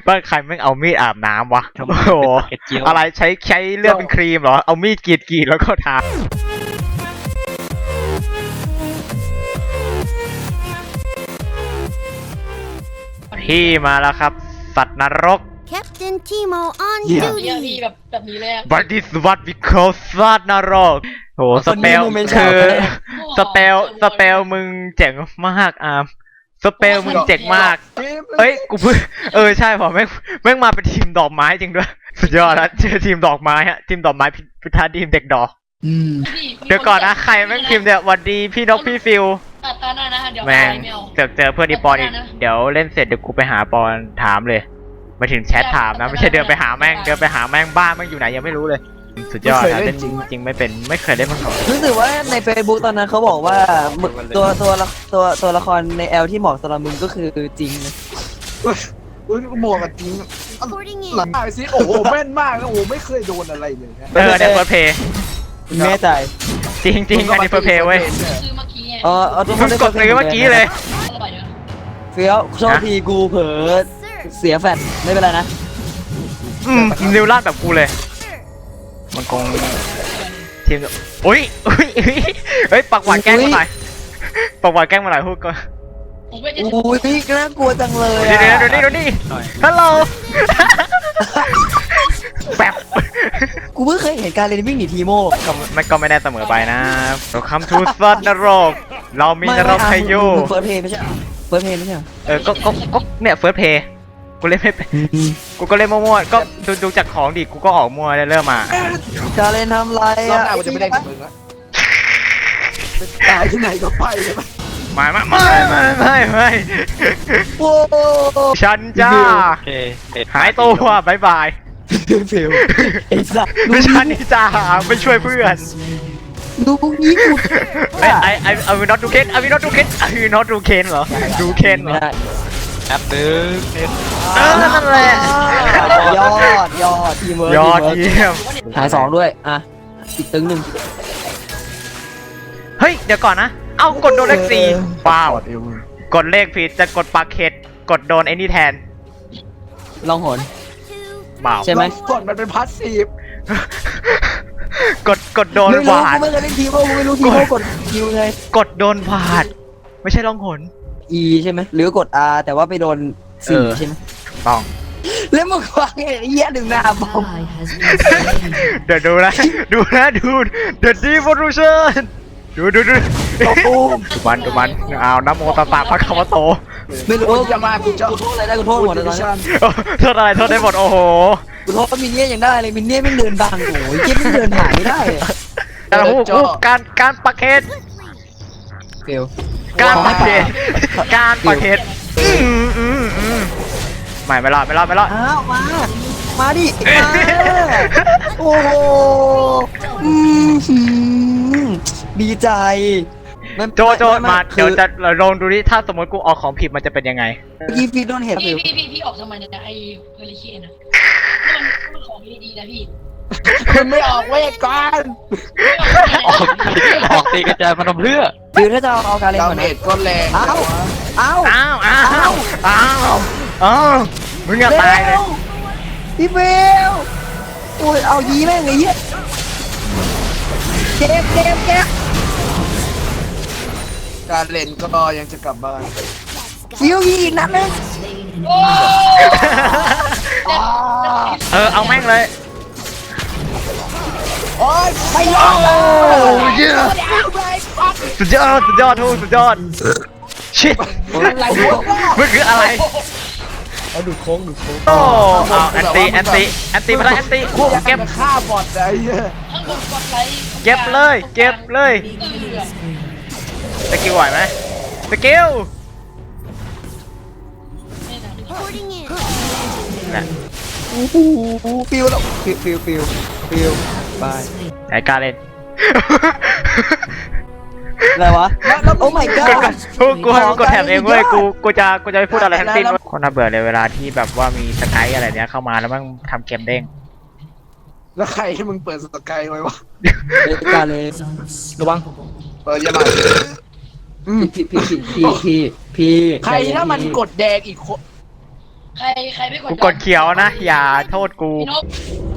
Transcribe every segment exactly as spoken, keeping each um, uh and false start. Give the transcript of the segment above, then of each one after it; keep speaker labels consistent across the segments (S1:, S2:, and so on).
S1: บ้านใครแม่งเอามีดอาบน้ำวะโอ้โหอะไรใช้ใช้เลือดเป็นครีมเหรอเอามีดกรีดกรีดแล้วก็ทาพี่มาแล้วครับสัตว์นรก
S2: Captain Timo on
S3: เยี่ย
S2: duty
S3: พี่แบบแบบนี้เลยอะ
S1: But this what we call สัตว์นรกโหสเปลคือสเปลสเปลมึงเจ๋งมากอาร์มสเปลมึงเจ๋งมากเอ้ยกูเพิ่งเออใช่ผมแม่งแม่งมาเป็นทีมดอกไม้จริงด้วยสุดยอดแล้วเจอทีมดอกไม้ฮะทีมดอกไม้พิธาทีมเด็กดอก
S3: พี่
S1: เดี๋ยวก่อนนะใครแม่งพิมพ์เนี่ยวันดีพี่นกพี่ฟิว
S3: ตัดตาหน้านะฮะเดี๋ยว
S1: แม่ง
S3: ไม่เอา
S1: เจอเจอเพื่อนที่ปอนอีกเดี๋ยวเล่นเสร็จเดี๋ยวกูไปหาปอนถามเลยมาถึงแชทถามนะไม่ใช่เดินไปหาแม่งเดินไปหาแม่งบ้านแม่งอยู่ไหนยังไม่รู้เลยสุดยอดนะเล่นจริงจริงไม่เป็นไม่เคยเล่นมาก่อน
S4: รู้สึกว่าใน Facebook ตอนนั้นเขาบอกว่ามึงตัวตัวละตัวตัวละครในแอลที่เหมาะสำหรับมึงก็คือจริงนะ
S5: อุ้ยหมวกกันจริง
S2: Reporting
S5: หลัง
S2: in.
S5: ตายสิโอ้โหแม่นมากนะโอ้โหไม่เคยโดนอะไรเลยนะ
S1: เออในเฟิร์สเพย์
S4: แม่ใจ
S1: จริงจริงอันนี้เฟิร์สเพย์เว้ย
S3: ซื้อเมื่อกี้ไง
S4: เออเอาทุกค
S1: มึ
S4: น
S1: ง
S4: ได้
S1: กดซื้อเมื่อกี้เลย
S3: อร่อยเนอะ
S4: เฟี้ยวโชคดีกูเผลอ
S2: Sir.
S4: เสียแฟดไม่เป็นไรนะ
S1: อืมนิวลาดแบบกูเลย มันคงทีมอุ้ยอุ้ยอุ้ยเฮ้ยปักหวานแกล้งมาหน่อยปักหวานแกล้งมาหน่อยพูดก่อน
S3: ผมไม่ได้
S4: อุ้ยน่ากลัวจังเลย
S1: เดี๋ยว
S4: อะ
S1: เดี๋ยวเดี๋ยวนี่เดี๋ยวนี่ฮัลโหลแบบ
S4: กูเพิ่งเคยเห็นการเล่นวิ่งหนีทีโม่
S1: ก็ไม่ก็ไม่ได้เสมอไปนะเราคำทูสัตว์นรกเรามีนรกให้อยู่
S4: เฟิร์สเพย์ไม่ใช่เฟิร์สเพย์ไม่ใช่
S1: เออก็ก็ก็เนี่ยเฟิร์สเพย์กูเล่นไม่เป็นกูก็เล่นมั่วๆก็ดูดูจากของดิกูก็ออกมั่วเริ่มมา
S4: การเล่นทำไร
S5: รอบ
S4: อะ
S5: หน้ากูจะไม่ได้กับมึงละตายที่ไหนก็ไปเลย
S1: ไม่ไม่ไม่ไม่ไม่ไม่
S4: โอ้
S1: ฉันจ้าหายตัวบายบาย
S4: เฟลไอ้สัส
S1: ไม่ฉันนี่จ้าไม่ช่วยเพื่อน
S4: ดูพวกนี้กู
S1: ไอไอไอไอวินอตดูเคนไอวินอตดูเคนไอวินอตดูเคนเหรอดูเคนเหร
S4: ไม่
S1: อ
S4: ได้
S1: แอปนึงเออนั่นแหละ
S4: ยอดยอดทีมเวิร์
S1: ยอดเยี่ยม
S4: หายสองด้วยอ่ะอีกตึงหนึ่ง
S1: เฮ้ยเดี๋ยวก่อนนะเอากดโดนเลขสี่ว้าว
S5: กดเอวมึง
S1: กดเลขผิดจะกดปากเข็ดกดโดนไอ้นี่แทน
S4: ลองหน
S1: เปล่า
S4: ใช่ไหม
S5: กดมันเป็นพาสซีฟ
S1: กดกดโดน
S4: ไม่
S1: ห
S4: รู้
S1: วา
S4: กู
S1: ด
S4: ไม่เคยเล่นทีมโม่กูไม่รู้ทีมโม่กดคิวไง
S1: กดโดนหวาดไม่ใช่ล่องหน
S4: E ใช่ไหมหรือกด R แต่ว่าไปโดน
S1: เอ
S4: สี่
S1: อ
S4: ใช่ไหม
S1: ต้อง
S4: แล้วมึงวางไอ้เหี้ยดึงหน้าบอม
S1: เดี๋ยวดูนะดูนะดูเดี๋ยวดีโวลูชั่นดูดูดูดูมันดูมันเอาน้ำโมตัสสะพระคาวะโต
S4: ไม่รู้
S5: จะมากูจะ
S4: กูโทษอะไรได้กูโทษหมดเลยตอนนี้
S1: โทษอะไรโทษได้หมดโอ้โห
S4: กูโทษมินเนี่ยยังได้เลยมินเนี่ยไม่เดินบังโอ้ยเจ๊ไม่เดินผ่านไม่ได้อะ
S1: แต่ฮู้ฮู้การการปักเขต
S4: เฟล
S1: การปักเขตการปักเขตอืมอืมอืมไม่ไม่รอดไม่รอดไม่รอด
S4: อ้าวมา มาดิมาโอ้โหอืมหืมดีใจไม่
S1: โจโจ
S4: ไไ
S1: มา
S4: คื
S1: เดี๋ยว
S4: อ
S1: จะลองดูดิถ้าสมมติกูออกของผิดมันจะเป็นยังไง
S4: พี่พี่โดนเห็น
S3: พี่
S4: ฟิว
S3: พี่พี่พี่ออกทำไมเนี่ยไอ้เฮลิเคนนะมันมันของดีๆนะพี่
S5: คุณไม่ออกเวทก่อน
S3: ออก
S6: ออกตีกระจายมันทำเพื่อ
S4: ฟิวถ้าจะเอาเอาการเล่น
S5: ดา
S4: ก่อน
S5: เม
S4: นะ
S5: จก็แรง
S4: เอ้าเอ้า
S1: อ้าวอ้าวอ้าวอ้าวมึงอย่าตายเลย
S4: พี่ฟิวโอ้ยเอายีแม่งไอ้เหี้ยเก็บเก็บเก็บ
S5: การเล่นก็ยังจะกลับบ้าน
S4: ฟิวยีอีกนัดนึง
S3: โอ้
S1: เออเอาแม่งเลย
S5: โอ้ย
S4: ไปรอด
S1: โอ้ยสุดยอดสุดยอดทูสุดยอดชิต
S5: อะไรวะ
S1: มันคืออะไร
S5: เอาดูโค้งดูโค้ง
S1: โอ้เอาแอนตี้แอนตี้แอนตี้มาแล้วแอนตี้เก็บ
S5: ฆ่าบอดไอ้เหี้ย
S3: ข้างบนกดไลค์
S1: เก็บเลยเก็บเลย
S3: เออ
S1: สกิลไหวไหมสกิล
S3: นี่นะ
S2: Reporting in.
S1: นะ
S4: โอ้โหฟิวแล้วฟิวฟิวฟิวฟิวบาย
S1: ไอ้การเล่น
S4: อะไรวะโอ้ my
S1: กด
S4: god
S1: กูกูให้มึงกดแถบเองเว้ยกูกูจะกูจะไม่พูดอะไรทั้งสิ้นคนน่าเบื่อเลยเวลาที่แบบว่ามีสกายอะไรเนี้ยเข้ามาแล้วมันทำเกมเด้ง
S5: แล้วใครให้มึงเปิดสกายไว้วะ
S4: เด็กการเลยระวัง
S5: เปิดยังไง
S4: พี่พี่พี่พี่พี่พี่
S5: ใครถ้ามันกดแดงอีกคน
S3: ใครใครไม่กด
S1: กูกดเขียวนะ อย่าโทษกู
S3: พี่นก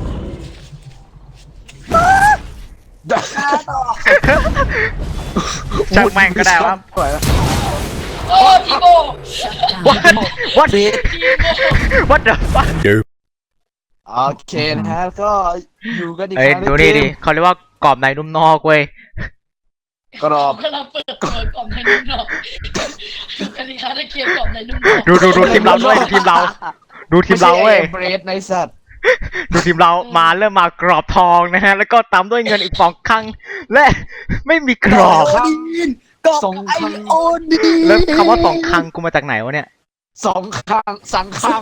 S1: ช่างแม่งก็ได้ครับ
S5: ปล่อยแล้ว
S3: โอ้ทีโบ
S1: what what
S4: ซีด
S3: ทีโบ
S1: what the fuck
S5: โอเคนะฮะก็อยู่กันอีก
S1: เอ้ย
S5: ครั้ง
S1: ดู
S5: ใน
S1: นี่
S5: เก
S1: ดิ
S5: ม
S1: เขาเรียกว่ากรอบในนุ่มนอกเว้ย
S5: กรอบ
S3: กำลังเปิดเปิดกล่องในนุ่มนอกกติกาในเกมกล่องในนุ่มนอก
S1: ดูดูดูทีมเราด้วยดูทีมเรา ดูทีมเราเว้ย
S5: เบรดในสัตว์
S1: ดูทีมเรามาเริ่มมากรอบทองนะฮะ แล้วก็ตามด้วยเงินอีกสองครั้ง และไม่มีกรอบ
S4: ไอโอดีนกอบไอโอดีน
S1: แล้วคำว่าสองครั้งกูมาจากไหนวะเนี่ย
S5: สองข้างสังคัง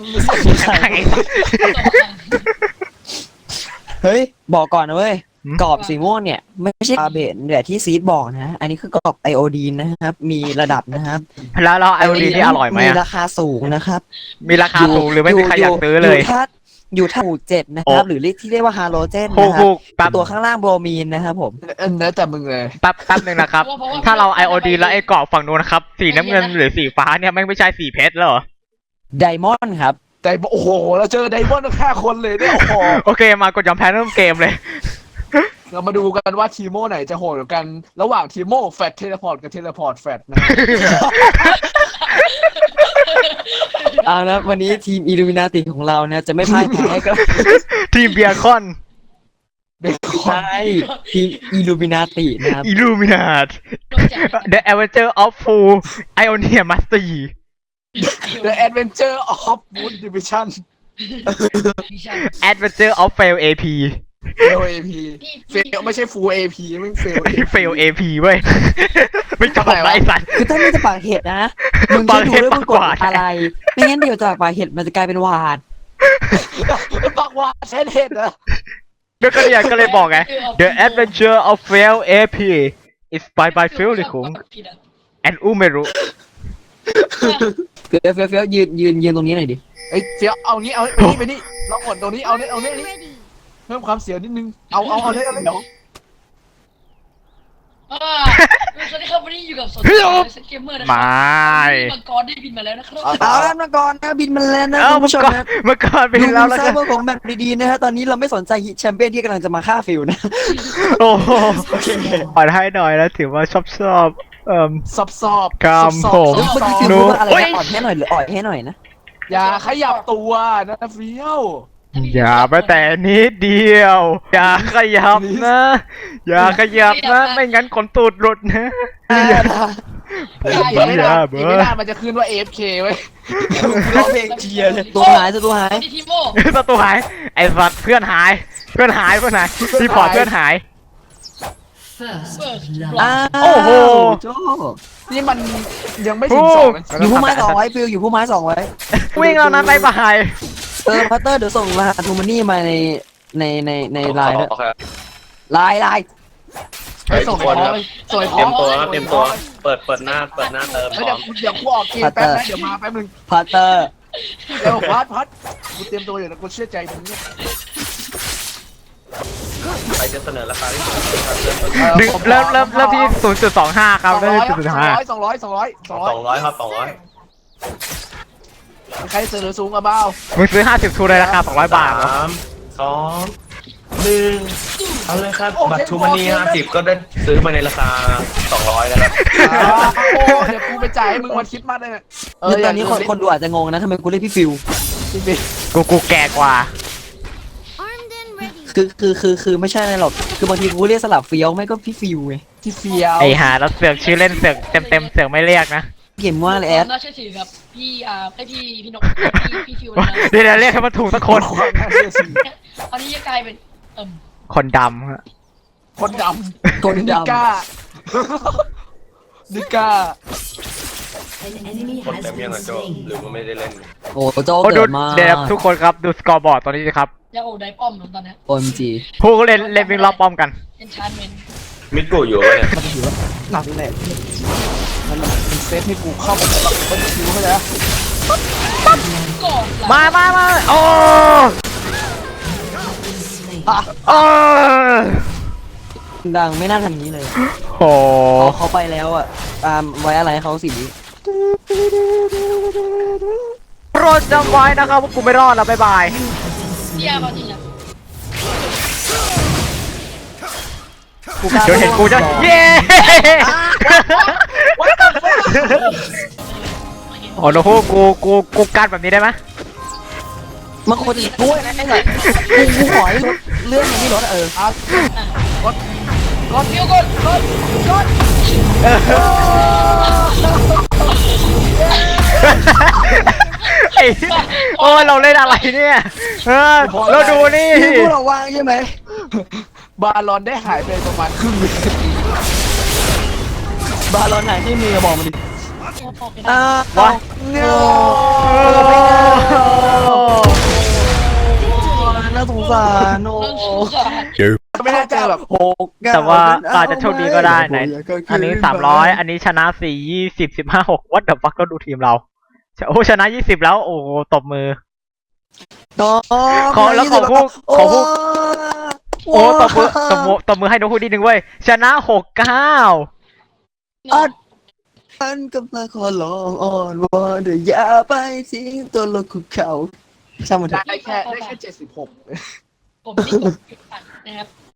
S4: เฮ้ยบอกก่อนนะเว้ย
S1: หืม
S4: กรอบสีม่วงเนี่ยไม่ใช่อาเบนแบบที่ซีดบอกนะ อันนี้คือกรอบไอโอดีนนะครับ มีระดับนะครับ
S1: แล้วเราไอโอดีนี่อร่อยไหม
S4: มี
S1: อะ
S4: ราคาสูงนะครับ
S1: มีราคาสูงหรือไม่มีใครอยากซื้อเลย
S4: อยู่ถ้าอยู่ถ้าหมู่เจ็ดนะครับ
S1: โอ้
S4: หรือที่เรียกว่าฮาโลเจน
S1: ถู
S4: นะ
S1: ก
S4: ครั
S1: ถู
S4: บ
S1: กแป๊บ
S4: ตัวข้างล่างโบรมีนนะครับผม
S5: เออเนื้อแต่มึงเลย
S1: แป๊บแป๊บหนึ่งนะครับ ถ้าเราไอโอดีแล้วไอ้กรอบฝั่งนู้นนะครับ สีน้ำเงินหรือสีฟ้าเนี่ยแม่งไม่ใช่สีเพชรแล้วเหรอ
S4: ไดมอนด์ครับ
S5: แต่โอ้โหเราเจอไดมอนด์แค่คนเลยเนี่ยโอ้โห
S1: โอเคมากดยอมแพ้เริ่มเกมเลย
S5: เรามาดูกันว่าทีโมไหนจะโหดกว่ากัน ระหว่างทีโมแฟตเทเลพอร์ตกับเทเลพอร์ตแฟตนะ
S4: เอาละวันนี้ทีมอิลูมินาติของเราเนี่ยจะไม่พ่ายแพ้กับ
S1: ทีมเบียร์คอน
S5: เบคอน
S4: ใช่ทีมอิลูมินาตินะครับ
S1: อิลูมินาต The Adventure of Full Ionia Mastery
S5: เดอะแอดเวนเจอร์ออฟบูดดิวิชั่น
S1: Adventure of Fail เอ พี
S5: เฟลเอพีเฟลไม่ใช่ฟูลเอพีไม่เฟล
S1: Fail เอ พี เว้ย ไม่จบนะไอ้สัตว์
S4: คือถ้ามึงจะปากเห็ดนะ มึง
S1: ปา
S4: จะ
S1: ก
S4: ดู
S1: เห็ด
S4: ด้วยมึงกด
S1: ปากหวาน
S4: อะไร ไม่งั้นเดี๋ยวจากปากเห็ดมันจะกลายเป็นหวาด
S5: บักว่าเช่นเห็ดนะ
S1: ก็ก็เนี่ยก็เลยบอกไง The Adventure of Fail เอ พี Inspired by Phil ลิคุง and Umeru
S4: เฟี้ยวเฟี้ยวเฟี้ยวยืนยืนยืนตรงนี้หน่อยดิ
S5: เอ้ยเฟี้ยวเอางี้เอาไปนี่ไปนี่ลองกดตรงนี้เอาเนี่ยเอาเนี่ยนี่
S2: Ready.
S5: เพิ่มความเสียวนิดนึงเอาเอาเอาเนี่ยเอาเนี่ย
S3: อ่าสวัสดีครับวันนี้อยู่กับสดสเกมเมอร์นะค
S1: ไม
S3: รั่
S1: ่
S3: มังกรได้บินมาแล้วนะครับ
S4: เอาละมาก่อนนะบินมาแล้วนะ
S1: เอ้า
S4: คุณ
S1: เมื่อ
S4: ผู้ชม
S1: ก่อน
S4: นะ
S1: เมื่อก่อนไป
S4: ดู
S1: แล้วแล้ว
S4: ไซ
S1: กัน
S4: เบอร์ของแบบดีๆนะฮะตอนนี้เราไม่สนใจฮิตแชมเปี้ยนที่กำลังจะมาฆ่าฟิวนะ
S1: โอ้โหขอให้หน่อยนะถือว่าชอบชอบเอ่ม
S5: ซอบซอบ
S1: กราม
S5: ซอบ
S1: ผม
S5: ซอบ
S4: เมื่อกี้ฟิว
S1: หนู
S4: พูดว่าอะไร
S1: โอ้ย
S4: นะอ่อนให้หน่อยหรืออ่อยให้หน่อยนะ
S5: อย่าขยับตัวนะเฟี้ยว
S1: อย่าไปแต่นิดเดียว อย่าขยับนะ อย่าขยับนะ ไม่งั้นขนตูดหลุดนะ
S5: อีกไม่นานอีกไม่นานมันจะขึ้นว่า เอ เอฟ เค เว้ย
S4: ร้องเพลงเชียร์เลยตัวหายตัวหาย
S3: ทีโม
S1: ประตูหาย ไอ้สัตว์เพื่อนหาย เพื่อนหายเพื่อนหายรีพอร์ตเพื่อนหาย
S3: เปิด
S4: อ้าว
S1: โอ้โห
S4: โจ้
S5: นี่มันยังไม่ถึงสองนะ
S4: อยู่ผู้ไม้สองไว้ฟิวอยู่ผู้ไม้สองไว้
S1: วิ่งแล้วนะบายบาย
S4: เออพัตเตอร์เดี๋ยวส่งรหัสทูมานี่มาในในในในไลน์ด้วยไลน์ไลน์
S5: ไปส่งของไปส่งข
S7: เตรี
S5: อย ง
S7: มตัวครับเตรียมตัว เปิด เปิดหน้า เปิดหน้าเติมพ
S5: เฮ้ย
S7: ร้อ
S5: เดี๋ยว
S7: ม
S5: เดี๋ยวกูออกเกมแป๊บนะเดี๋ยวมาแป๊บนึง
S4: พัตเตอร์
S5: เดี๋ยวพัดพัดกูเตรียมตัวอยู่นะกูเชื่อใจมึงเนี่ย
S7: ใครจะเสนอราคาที่สูงครับ
S1: ดึงเริ่มเริ่มเริ่มที่ศูนย์จุดสองห้าครับ
S5: สอง
S1: เริ่ม
S5: ร้อย
S1: ที่ศูนย์จุดห้า
S5: สองร้อยสองร้อยสองร้อยสองร้อย
S7: สองร้อยครับสองร้อย
S5: มีใครเสนอสูงกับเบ้า
S1: มึงซื้อห้าสิบทูเลยราคาสองร้อยบาทเหรอ
S7: สามสองหนึ่งเอาเลยครับ บัตรทูมานีห้าสิบก็ได้ซื้อมาในราคาสองร้อยนะครับ
S5: โอ้เดี๋ยวกูไปจ่ายให้มึงวันคริดมาสเลยเนี่ยเออ
S4: ตอนนี้คนคนดูอาจจะงงนะทำไมกูเรียกพี่ฟิว
S5: จริง
S1: กูกูแก่กว่า
S2: Armed and ready.
S4: คือคือคือคือไม่ใช่อะไรหรอกคือบางทีกูเรียกสลับเฟี้ยวไม่ก็พี่ฟิวไง
S5: ๆที่เฟียว
S1: ไอหาแล้วเสือกชื่อเล่นเสือกเต็มเต็มๆเสือกไม่เรียกนะ
S4: เกมว่าเลยแอด
S3: น่าเชื่อถือครับพี่อ่าไอพี่พี่นกพี่พี่ฟิวนะ
S1: เดี๋ยวเดี๋ยวเรียกให้มันถูกสักคน
S5: ความน่าเชื่อถือ
S3: ตอนนี้จะกลายเป็นเอิ่ม
S1: คนดำฮะ
S5: คนดำ
S4: คน
S5: นิ
S4: ดำ
S5: ก้านิก้า
S7: คนเต็มยังอ่ะโจหรือว่าไม่ได้เล่น
S4: โอ้โจ
S1: โอ้ดู
S4: เกิดมา
S1: เดี๋ยวทุกคนครับดูสกอร์บอร์ดตอนนี้สิครับ
S3: ยาโอไดป้อมตอนนี้
S4: โอมจี
S1: ผู้เล่นเล่นวิ่งรอบป้อมกัน
S3: เอนชานเมน
S7: มิดกูอยู่ปะเนี่ย
S5: หนักแหละมันมันเซฟให้กูเข้าไปแบบต้นคิวเข้าใจปะ
S3: ก่อน
S1: มามามาโอ้โอ้
S4: ดังไม่น่าทำอย่างนี้เลย
S1: โห
S4: พอเขาไปแล้วอ่ะตามไว้อะไรให้เขาสิ
S1: โปรรอดจำไว้นะครับว่ากูไม่รอดแล้วบ๊ายบาย
S3: พี่อาร์เขาจริงนะ
S4: กูกล้า
S1: เดี๋ยวเห็นกูจะเย้ โอ้โหกูกูกูกันแบบนี้ได้ไหม
S4: มันควรจะช่วยนะไอ้หน่อยกูกูขอให้ลดเรื่องมันไม่ลดอะเออ
S5: กดกด
S3: พี่กดกดกด
S1: ไอ้โอ้ยเราเล่นอะไรเนี่ยเออเราดูนี่
S4: ที่พวกเราวางใช่ไหม
S5: บาลอนได้หายไปประมาณครึ่งวิ
S4: บาลอนไหนที่มือบอกมาดิอ่าว
S1: ะ
S4: เงาน่าสงสารโอ้
S5: ไม่แน่ใจแบบ
S4: หก
S1: แต่ว่าอาจจะโชคดีก็ได้ไหนอันนี้สามร้อยอันนี้ชนะสี่ยี่สิบสิบห้าหกวัดเดอะฟักก็ดูทีมเราโอ้ชนะยี่สิบแล้วโอ้ตบมือ
S4: ต่อ
S1: ขอแล้วขอพูดขอพูด โอ้ตบมือตบมือตบมือให้น้องพูดนิดนึงเว้ยชนะหกเก้า
S4: อัดฉันกำลังขอร้องอ้อนวอนเดี๋ยวอย่าไปทิ้งตัวลงคุกเขาช่างมันเถ
S5: ได้
S4: อะ
S5: แค่ได้แค่เจ็ดสิบหก
S3: ผมนี่กดนะครับ